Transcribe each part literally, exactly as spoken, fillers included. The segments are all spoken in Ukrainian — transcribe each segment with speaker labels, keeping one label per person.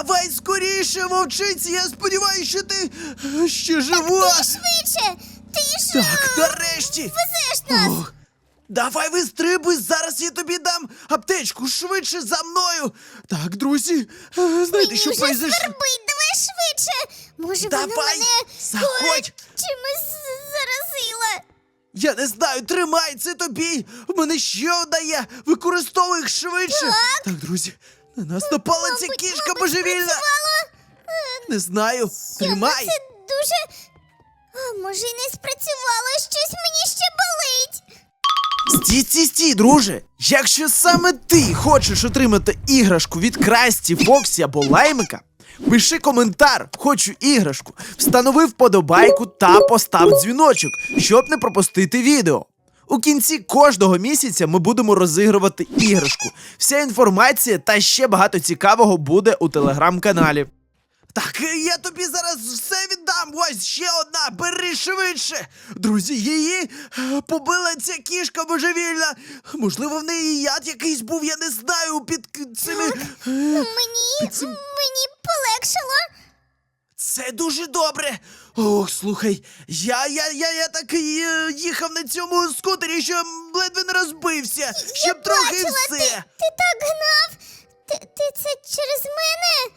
Speaker 1: Давай скоріше, вовчиці, я сподіваюся, що ти е, ще жива.
Speaker 2: Ти швидше! Ти ж
Speaker 1: Так,
Speaker 2: е,
Speaker 1: нарешті.
Speaker 2: везеш нас!
Speaker 1: Ох, давай вистрибуй, зараз я тобі дам аптечку, швидше за мною. Так, друзі, е, знаєте,
Speaker 2: Мені
Speaker 1: що
Speaker 2: вже
Speaker 1: произошло?
Speaker 2: свербить, давай швидше! Може, вона
Speaker 1: Давай,
Speaker 2: мене
Speaker 1: заходь.
Speaker 2: ой, чимось з- заразила?
Speaker 1: Я не знаю, тримай, це тобі. В мене ще одна є. Використовуй їх швидше.
Speaker 2: Так.
Speaker 1: Так, друзі, на нас напала ця
Speaker 2: Мабуть,
Speaker 1: кішка
Speaker 2: мабуть,
Speaker 1: божевільна.
Speaker 2: спрацювало.
Speaker 1: Не знаю,
Speaker 2: Йому
Speaker 1: тримай.
Speaker 2: це дуже... А, може, і не спрацювало, щось мені ще болить.
Speaker 1: Стій, стій, стій, друже. Якщо саме ти хочеш отримати іграшку від Красті, Фоксі або Лаймика, пиши коментар, хочу іграшку, встанови вподобайку та постав дзвіночок, щоб не пропустити відео. У кінці кожного місяця ми будемо розігрувати іграшку. Вся інформація та ще багато цікавого буде у телеграм-каналі. Так, я тобі зараз все віддам. Ось ще одна, бери швидше. Друзі, її е, побила ця кішка божевільна. Можливо, в неї яд якийсь був, я не знаю, під к- цими... е,
Speaker 2: Мені,
Speaker 1: цим-
Speaker 2: мені полегшало.
Speaker 1: Це дуже добре. Ох, слухай, я, я, я, я так е, їхав на цьому скутері, що ледве не розбився. Щоб трохи і
Speaker 2: Бачила,
Speaker 1: все.
Speaker 2: ти, ти так гнав. Ти, ти це через мене?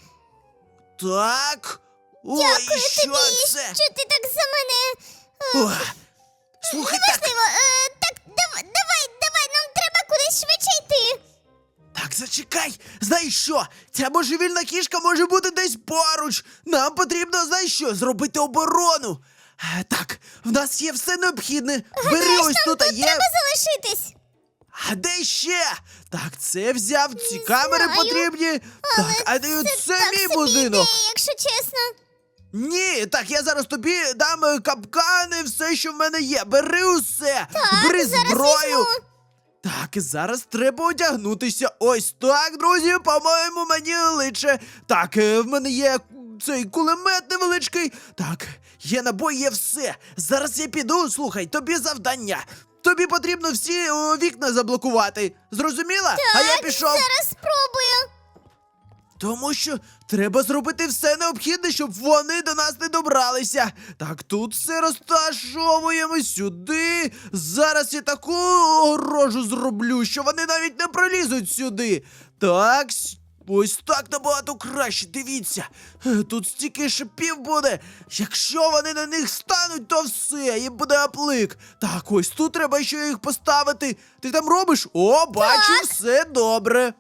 Speaker 1: Так. Ой,
Speaker 2: Дякую
Speaker 1: що
Speaker 2: тобі,
Speaker 1: це?
Speaker 2: що ти так за мене... е,
Speaker 1: Ох, слухай, так.
Speaker 2: Неважливо, е, так, давай, давай, давай, нам треба кудись швидше йти.
Speaker 1: Так, зачекай! Знаєш що? Ця божевільна кішка може бути десь поруч. Нам потрібно, знаєш що, зробити оборону. Е, так, в нас є все необхідне. Бери
Speaker 2: Знаєш,
Speaker 1: ось
Speaker 2: нам
Speaker 1: тут, а
Speaker 2: тут
Speaker 1: є.
Speaker 2: треба залишитись.
Speaker 1: А де ще? Так, це взяв, ці камери
Speaker 2: знаю,
Speaker 1: потрібні.
Speaker 2: Але
Speaker 1: Так, а це,
Speaker 2: це так
Speaker 1: мій
Speaker 2: собі
Speaker 1: будинок.
Speaker 2: ідея, якщо чесно.
Speaker 1: Ні, так, я зараз тобі дам е, капкани, все, що в мене є. Бери усе.
Speaker 2: Так,
Speaker 1: Бери
Speaker 2: зараз
Speaker 1: зброю.
Speaker 2: візьму.
Speaker 1: Так, і зараз треба одягнутися. Ось так, друзі, по-моєму, мені личе. Так, е, в мене є цей кулемет невеличкий. Так, є набої, є все. Зараз я піду, слухай, тобі завдання. Тобі потрібно всі о, вікна заблокувати. Зрозуміла? А я
Speaker 2: Так,
Speaker 1: пішов.
Speaker 2: зараз спробую.
Speaker 1: Тому що треба зробити все необхідне, щоб вони до нас не добралися. Так, тут все розташовуємо сюди. Зараз я таку огорожу зроблю, що вони навіть не пролізуть сюди. Так, с- ось так набагато краще, дивіться. Е, Тут стільки шипів буде. Якщо вони на них стануть, то все, їм буде аплик. Так, ось тут треба ще їх поставити. Ти там робиш? О, бачу,
Speaker 2: Так.
Speaker 1: все добре.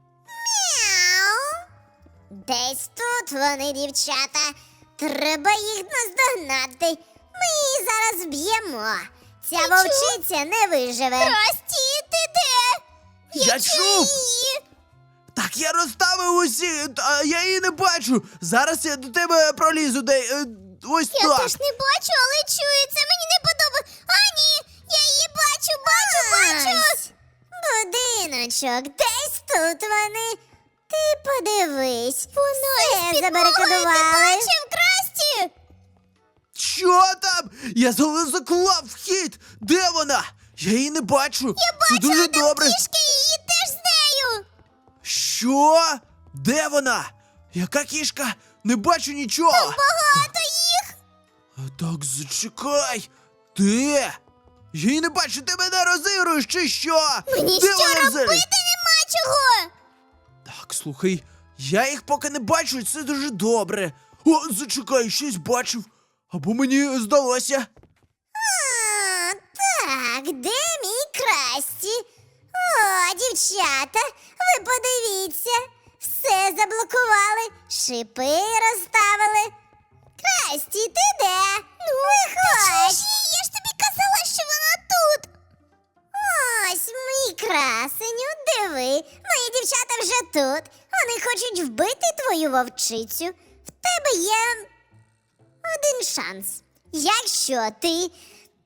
Speaker 2: Мяу. Десь тут вони, дівчата. Треба їх наздогнати. Ми її зараз вб'ємо. Ця вовчиця не виживе. Красті, ти де?
Speaker 1: Я чув.
Speaker 2: Її.
Speaker 1: Так, я розставив усі, та я її не бачу. Зараз я до тебе пролізу, де е, ось
Speaker 2: Я
Speaker 1: так.
Speaker 2: теж не бачу, але чую, це мені не подобається. А, ні, я її бачу, бачу, бачу. Будиночок, десь тут вони. Ти подивись. Воно
Speaker 1: Е,
Speaker 2: із забарикадували. Ти бачив, Красті?
Speaker 1: Що там? Я за- заклав вхід. Де вона? Я її не бачу.
Speaker 2: Я
Speaker 1: Це дуже
Speaker 2: бачила там
Speaker 1: добре.
Speaker 2: кішки, її теж з нею.
Speaker 1: Що? Де вона? Яка кішка? Не бачу нічого.
Speaker 2: Багато їх.
Speaker 1: А, Так, зачекай. Де? Я її не бачу, ти мене розігруєш чи що?
Speaker 2: Мені
Speaker 1: Де
Speaker 2: що
Speaker 1: вона
Speaker 2: робити
Speaker 1: взагалі?
Speaker 2: нема чого.
Speaker 1: Так, слухай, я їх поки не бачу, і це дуже добре. О, зачекай, щось бачив. Або мені здалося.
Speaker 2: А, так, де мій Красті? О, дівчата, ви подивіться. Все заблокували, шипи розставили. Красті, ти де? Ну, виходь. Я ж тобі казала, що вона тут. Ось, мій красеню, диви, мої дівчата вже тут. Вони хочуть вбити твою вовчицю. В тебе є один шанс. Якщо ти м,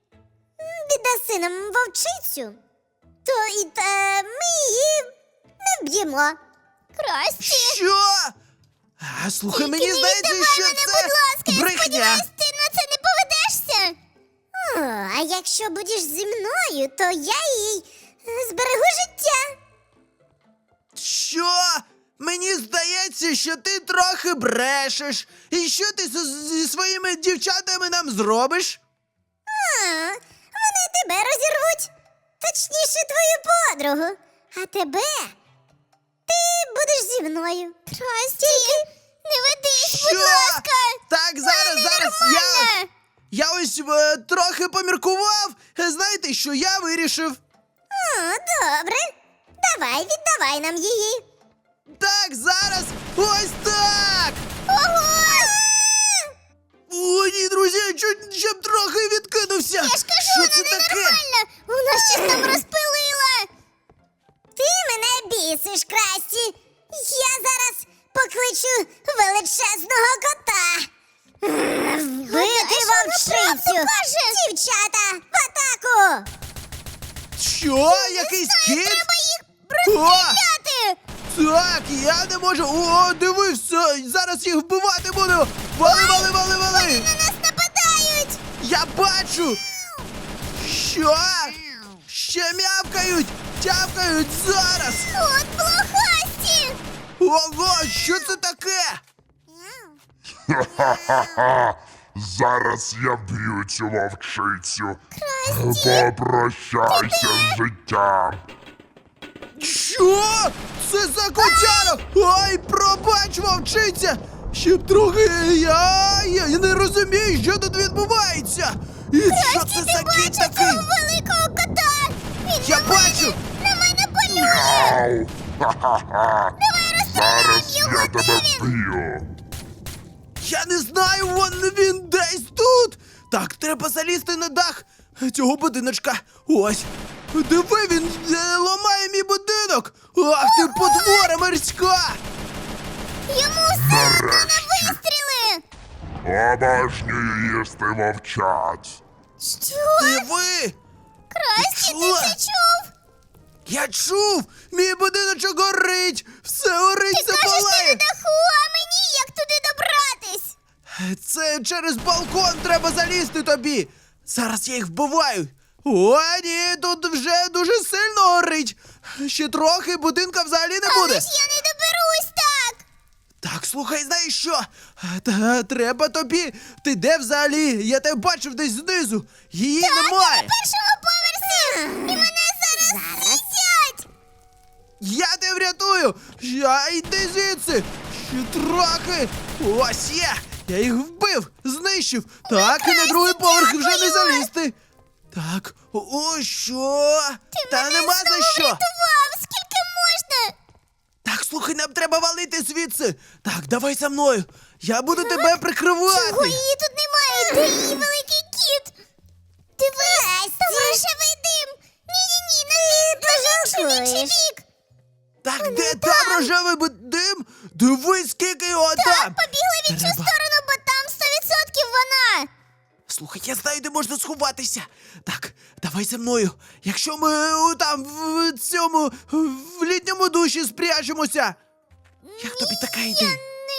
Speaker 2: віддаси нам вовчицю, то і та, ми її не вб'ємо. Красті.
Speaker 1: Що? А, слухай,
Speaker 2: Тільки
Speaker 1: мені
Speaker 2: не
Speaker 1: здається,
Speaker 2: віддавай
Speaker 1: що
Speaker 2: мене,
Speaker 1: це
Speaker 2: будь ласка, я
Speaker 1: брехня.
Speaker 2: сподіваюсь, ти на це не поведешся. О, а якщо будеш зі мною, то я їй е, зберегу життя.
Speaker 1: Що? Мені здається, що ти трохи брешеш. І що ти з- зі своїми дівчатами нам зробиш?
Speaker 2: А, вони тебе розірвуть. Точніше, твою подругу. А тебе ти будеш зі мною. Красті, не ведись, будь
Speaker 1: Що?
Speaker 2: ласка.
Speaker 1: Так, зараз, зараз я.
Speaker 2: Нормально.
Speaker 1: Я ось е, трохи поміркував. Е, Знаєте, що я вирішив?
Speaker 2: О, добре. Давай, віддавай нам її.
Speaker 1: Так, зараз. Ось так.
Speaker 2: Ого!
Speaker 1: О, ні, друзі, чуть щоб трохи відкинувся.
Speaker 2: Я ж кажу,
Speaker 1: що
Speaker 2: вона
Speaker 1: це таке?
Speaker 2: ненормальна. Вона щось там розпилила. Ти мене бісиш, Красті. Я зараз покличу величезного кота. Вбити вовчицю. Дівчата, в атаку.
Speaker 1: Що? Якийсь кіт?
Speaker 2: Треба їх
Speaker 1: О,
Speaker 2: розстріляти.
Speaker 1: так, я не можу. О, диви, все, зараз їх вбивати буду. Вали, вали, вали, вали.
Speaker 2: На нас нападають.
Speaker 1: Я бачу. Що? Ще м'явкають, тявкають зараз.
Speaker 2: От блохасті.
Speaker 1: Ого, що це таке?
Speaker 3: Ха-ха-ха! Зараз я вб'ю цю вовчицю. Попрощайся з життям.
Speaker 1: Що? Це за котяра? Ой, пробач, вовчиця! Щоб трохи я, я не розумію, що тут відбувається. І що це за кіт такий?
Speaker 2: Великого кота. Він
Speaker 1: Я
Speaker 2: на мене,
Speaker 1: бачу.
Speaker 2: на мене полює.
Speaker 3: Ау! Ха-ха-ха! Зараз
Speaker 2: його,
Speaker 3: я
Speaker 2: де
Speaker 3: тебе
Speaker 2: він?
Speaker 3: вб'ю.
Speaker 1: Я не знаю, вон він десь тут. Так, треба залізти на дах цього будиночка. Ось. Диви, він е, ламає мій будинок. Ах ти потвора морська.
Speaker 2: Йому все одно на
Speaker 3: Нарешті.
Speaker 2: вистріли.
Speaker 3: Обожнюю їсти вовчат.
Speaker 2: Що?
Speaker 1: Диви.
Speaker 2: Красті, ти
Speaker 1: чула?
Speaker 2: це чув?
Speaker 1: Я чув! Мій будиночок горить! Все горить,
Speaker 2: Ти кажеш, ти на
Speaker 1: запалає!
Speaker 2: даху, а мені як туди добратись?
Speaker 1: Це через балкон треба залізти тобі! Зараз я їх вбиваю! О, ні, тут вже дуже сильно горить! Ще трохи будинка взагалі не
Speaker 2: Але
Speaker 1: буде!
Speaker 2: ж я не доберусь так.
Speaker 1: Так, слухай, знаєш що? Та, треба тобі. Ти де взагалі? Я тебе бачив десь знизу. Її немає.
Speaker 2: Першого поверсі. І мене зараз з'їдять.
Speaker 1: Я тебе врятую! Я йди звідси! Ще трохи! Ось є! Я їх вбив! Знищив! Так, і на другий поверх вже не
Speaker 2: дякую!
Speaker 1: залізти! Так, о, що? Та
Speaker 2: Мене
Speaker 1: нема
Speaker 2: знову
Speaker 1: за що!
Speaker 2: врятував. Скільки можна?
Speaker 1: Так, слухай, нам треба валити звідси! Так, давай за мною! Я буду тебе прикривати!
Speaker 2: Чого її тут немає? Де її великий кіт? Дивись, там рожевий дим. Ні-ні-ні, на інший, інший бік.
Speaker 1: Так, де там рожевий бу- дим? Дивись, скільки його там!
Speaker 2: Побігли в іншу
Speaker 1: Треба.
Speaker 2: сторону, бо там сто відсотків вона.
Speaker 1: Слухай, я знаю, де можна сховатися. Так, давай за мною. Якщо ми е, там в цьому в літньому душі спряжемося. Як тобі така ідея?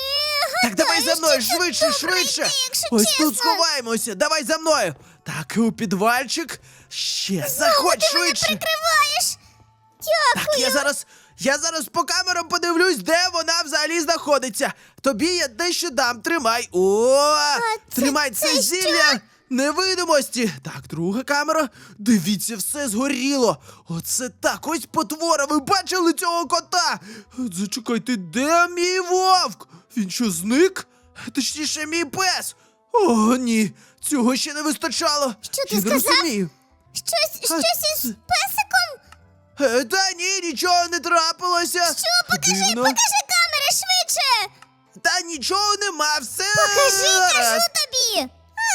Speaker 2: Не
Speaker 1: Так, давай за
Speaker 2: гадаю,
Speaker 1: мною,
Speaker 2: що це
Speaker 1: швидше,
Speaker 2: добра
Speaker 1: швидше.
Speaker 2: ідея, якщо
Speaker 1: Ось
Speaker 2: чесно.
Speaker 1: тут сховаємося. Давай за мною. Так, у підвальчик. Ще заходь
Speaker 2: Ти мене
Speaker 1: швидше.
Speaker 2: прикриваєш.
Speaker 1: Так,
Speaker 2: Дякую.
Speaker 1: я зараз. Я зараз по камерам подивлюсь, де вона взагалі знаходиться. Тобі я дещо дам. Тримай. О!
Speaker 2: це-
Speaker 1: Тримай
Speaker 2: це
Speaker 1: це
Speaker 2: що?
Speaker 1: зілля невидимості. Так, друга камера. Дивіться, все згоріло. Оце так, ось потвора. Ви бачили цього кота? Зачекайте, де мій вовк? Він що, зник? Точніше, мій пес. О, ні, цього ще не вистачало.
Speaker 2: Що ти
Speaker 1: я не
Speaker 2: сказав?
Speaker 1: розумію.
Speaker 2: Щось,
Speaker 1: А,
Speaker 2: щось із
Speaker 1: це-
Speaker 2: песиком?
Speaker 1: Е, Та ні, нічого не трапилося.
Speaker 2: Що? Покажи,
Speaker 1: Дивно.
Speaker 2: покажи камери швидше.
Speaker 1: Та нічого нема, все.
Speaker 2: Покажи, кажу
Speaker 1: гаразд.
Speaker 2: тобі.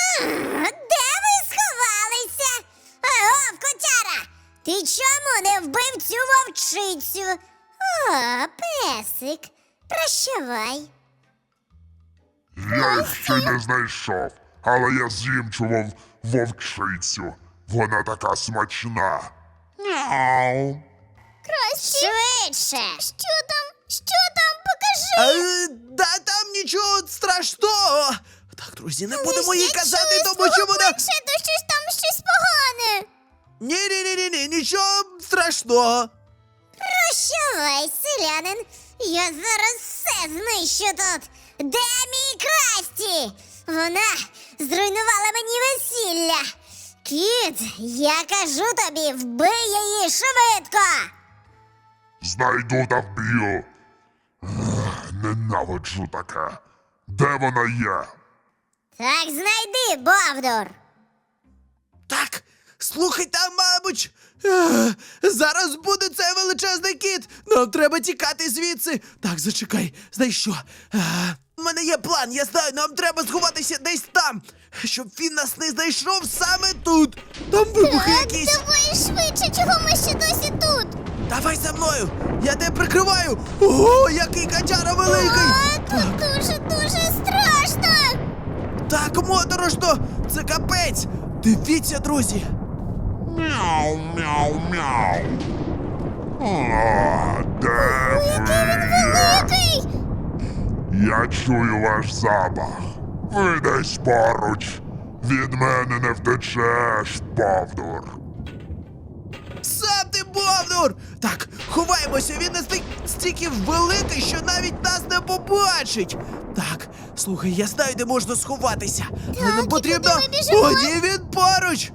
Speaker 2: Де ви сховалися? Аго, котяра, ти чому не вбив цю вовчицю? О, песик, прощавай.
Speaker 3: Я їх ще не знайшов, але я з'їм цю вов... вовчицю. Вона така смачна. Мяу.
Speaker 2: Красті. Швидше. Що там? Що там? Покажи.
Speaker 1: Е, Да там нічого страшного. Так, друзі, не будемо їй
Speaker 2: Я
Speaker 1: казати,
Speaker 2: чую
Speaker 1: тому що
Speaker 2: свого
Speaker 1: вона.
Speaker 2: планшету, щось там щось погане.
Speaker 1: Ні, ні, ні, ні, ні, нічого страшного.
Speaker 2: Прощавай, селянин. Я зараз все знищу тут. Де мій Красті? Вона зруйнувала мені весілля. Кіт, я кажу тобі, вбий її швидко.
Speaker 3: Знайду та вб'ю. Ех, Ненавиджу таке. Де вона є?
Speaker 2: Так знайди, Бовдур.
Speaker 1: Так, слухай, там, мабуть, е, зараз буде цей величезний кіт. Нам треба тікати звідси. Так, зачекай, знаєш що? Е, У мене є план, я знаю, нам треба сховатися десь там, щоб він нас не знайшов саме тут. Там вибухи
Speaker 2: Так,
Speaker 1: якісь.
Speaker 2: давай швидше, чого ми ще досі тут?
Speaker 1: Давай за мною, я тебе прикриваю. Ого, який котяра великий.
Speaker 2: А, тут дуже-дуже страшно.
Speaker 1: Так моторошно, це капець. Дивіться, друзі.
Speaker 3: Мяу, мяу, мяу. А, де
Speaker 2: Який він
Speaker 3: ви є?
Speaker 2: великий.
Speaker 3: Я чую ваш запах. Ви десь поруч. Від мене не втечеш, Бовдур.
Speaker 1: Сам ти Бовдур! Так, ховаємося, він настільки великий, що навіть нас не побачить. Так, слухай, я знаю, де можна сховатися. Але нам
Speaker 2: і
Speaker 1: потрібно.
Speaker 2: куди ми біжимо?
Speaker 1: О, ні, він поруч!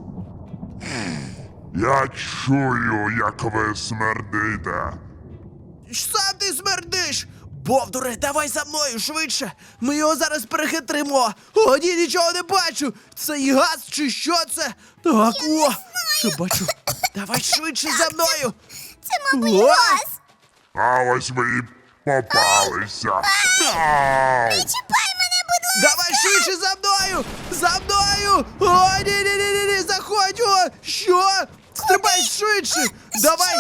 Speaker 3: Я чую, як ви смердите.
Speaker 1: Сам ти смердиш! Бовдуре, давай за мною швидше! Ми його зараз перехитримо! О, ні, нічого не бачу! Це і газ чи що це? Так, о! Що бачу? Давай швидше за мною!
Speaker 2: Це, мабуть,
Speaker 1: О!
Speaker 2: газ.
Speaker 3: А ось ви і попалися. Мяу.
Speaker 2: Чіпай мене, будь ласка.
Speaker 1: Давай швидше за мною! За мною! О, ні, ні, ні, ні, ні, заходь! О! Що? Стрибай швидше! Давай!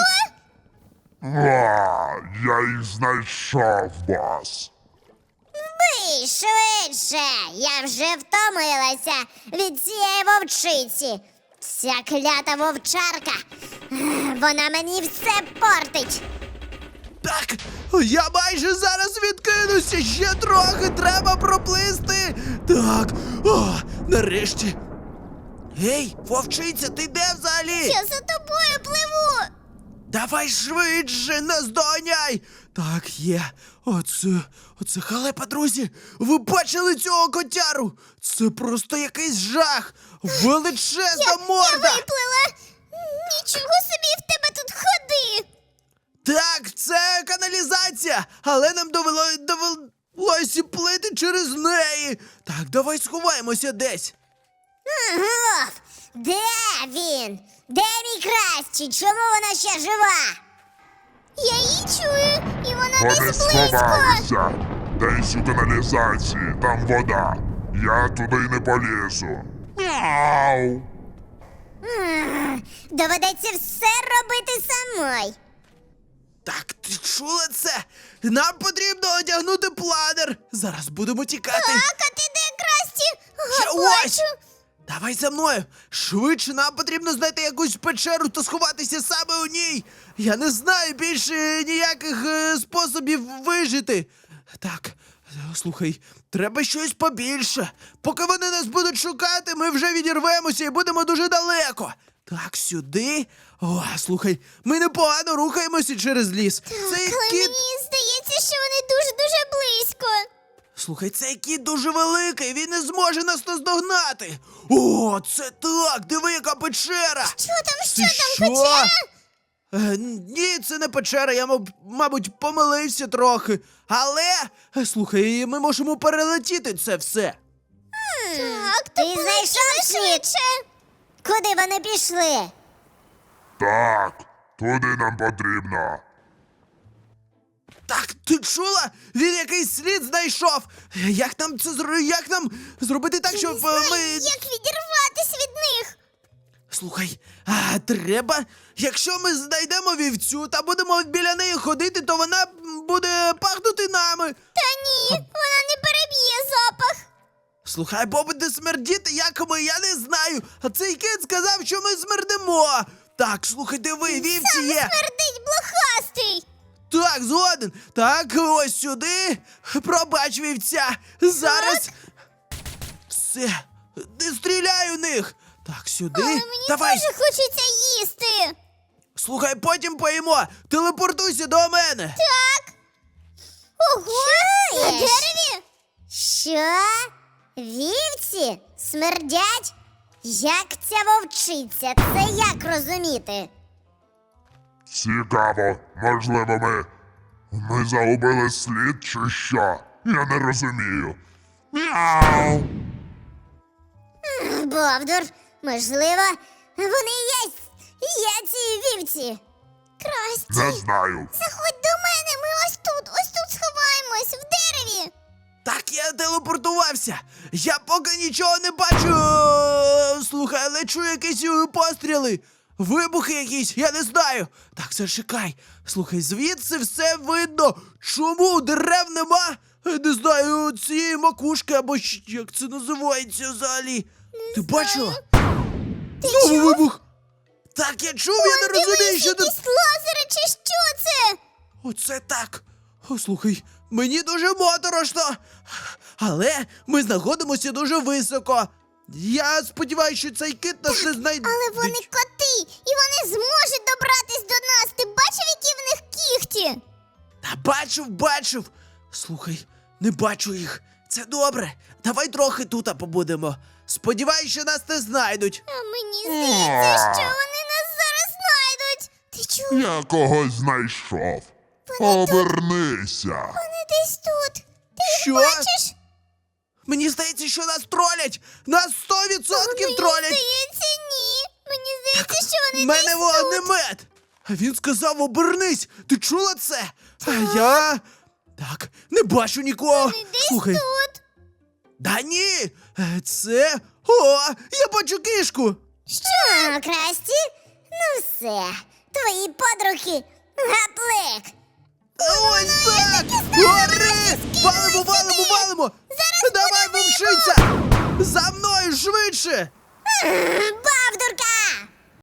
Speaker 3: А, я їх знайшов, бос.
Speaker 2: Бий швидше. Я вже втомилася від цієї вовчиці. Ця клята вовчарка. Ех, Вона мені все портить.
Speaker 1: Так, я майже зараз відкинуся, ще трохи треба проплисти. Так, о, нарешті. Гей, вовчиця, ти де взагалі?
Speaker 2: Я за тобою пливу.
Speaker 1: Давай швидше, наздоганяй! Так, є. Оце, оце халепа, друзі. Ви бачили цього котяру? Це просто якийсь жах. Величезна
Speaker 2: Я
Speaker 1: морда.
Speaker 2: виплила. Нічого собі в тебе тут ходи.
Speaker 1: Так, це каналізація, але нам довело, довелося плити через неї. Так, давай сховаємося десь.
Speaker 2: Ага. Де він? Де мій Красті? Чому вона ще жива? Я її чую, і вона
Speaker 3: Вони
Speaker 2: десь близько.
Speaker 3: сховалися. Десь у каналізації, там вода. Я туди не полізу. Мяу.
Speaker 2: Ах, Доведеться все робити самой.
Speaker 1: Так, ти чула це? Нам потрібно одягнути планер. Зараз будемо тікати.
Speaker 2: Так, а ти де, Красті?
Speaker 1: Ще
Speaker 2: Ага,
Speaker 1: ось!
Speaker 2: бачу.
Speaker 1: Давай за мною. Швидше нам потрібно знайти якусь печеру та сховатися саме у ній. Я не знаю більше ніяких е, способів вижити. Так, е, слухай, треба щось побільше. Поки вони нас будуть шукати, ми вже відірвемося і будемо дуже далеко. Так, сюди. О, слухай, ми непогано рухаємося через ліс. Цей
Speaker 2: Але
Speaker 1: кіт.
Speaker 2: мені здається, що вони дуже-дуже близько.
Speaker 1: Слухай, цей кіт дуже великий, він не зможе нас наздогнати. О, це так, диви, яка печера.
Speaker 2: Що там, що
Speaker 1: Ти
Speaker 2: там,
Speaker 1: що?
Speaker 2: печера?
Speaker 1: Е, ні, це не печера, я, маб- мабуть, помилився трохи. Але, е, слухай, ми можемо перелетіти це все.
Speaker 2: Так, ти знайшов швидше. Куди вони пішли?
Speaker 3: Так, туди нам потрібно.
Speaker 1: Так, ти чула? Він якийсь слід знайшов. Е, Як нам це зро... Як нам зробити так, щоб е, ми.
Speaker 2: Як відірватися від них?
Speaker 1: Слухай, а треба, якщо ми знайдемо вівцю та будемо біля неї ходити, то вона м, буде пахнути нами.
Speaker 2: Та ні, вона не переб'є запах.
Speaker 1: Слухай, бо буде смердіти, як ми, я не знаю. А цей кіт сказав, що ми смердимо. Так, слухай, диви, вівці є.
Speaker 2: Смердить блохастий.
Speaker 1: Так, згоден. Так, ось сюди. Пробач, вівця. Зараз. Все. Не стріляй у них. Так, сюди.
Speaker 2: Але мені
Speaker 1: Давай.
Speaker 2: дуже хочеться їсти.
Speaker 1: Слухай, потім поїмо. Телепортуйся до мене.
Speaker 2: Так. Ого! На дереві? Що? Вівці? Смердять? Як ця вовчиця? Це як розуміти?
Speaker 3: Цікаво, можливо, ми. Ми загубили слід чи що? Я не розумію. Мяу.
Speaker 2: Бовдур, можливо, вони є, є ці вівці. Красті,
Speaker 3: Не знаю.
Speaker 2: заходь до мене, ми ось тут, ось тут сховаємось, в дереві.
Speaker 1: Так я телепортувався. Я поки нічого не бачу. Е, Слухай, але чую якісь е, постріли. Вибухи якісь, я не знаю. Так, зачекай. Слухай, звідси все видно. Чому дерев нема? Е, Не знаю, цієї макушки або щ- як це називається взагалі. Ти бачила?
Speaker 2: Ти
Speaker 1: Знову
Speaker 2: чув?
Speaker 1: вибух. Так, я чув, я не розумію,
Speaker 2: Дивись,
Speaker 1: що тут.
Speaker 2: якісь лазери чи що це?
Speaker 1: Оце так. О, слухай, мені дуже моторошно. Але ми знаходимося дуже високо. Я сподіваюся, що цей кит нас не знайде.
Speaker 2: Але вони коти, і вони зможуть добратись до нас. Ти бачив, які в них кіхті?
Speaker 1: Та бачив, бачив. Слухай, не бачу їх. Це добре. Давай трохи тут побудемо. Сподіваюсь, що нас не знайдуть.
Speaker 2: А мені здається, що вони нас зараз знайдуть. Ти чув?
Speaker 3: Я когось знайшов. Обернися.
Speaker 2: Вони десь тут. Ти їх
Speaker 1: Що?
Speaker 2: бачиш?
Speaker 1: Мені здається, що нас тролять. Нас сто відсотків
Speaker 2: Мені
Speaker 1: тролять.
Speaker 2: здається, ні. Мені здається, що вони
Speaker 1: В мене
Speaker 2: десь тут.
Speaker 1: вогнемет! А він сказав обернись! Ти чула це? А я. Так, не бачу нікого.
Speaker 2: Вони десь
Speaker 1: Слухай.
Speaker 2: тут.
Speaker 1: Да ні! Е, Це. О! Я бачу кішку!
Speaker 2: Що, Красті? Ну все, твої подруги гаплик.
Speaker 1: Ось так! Гори! Валимо, валимо, валимо! Давай, вовчиця! За мною швидше!
Speaker 2: Бавдурка!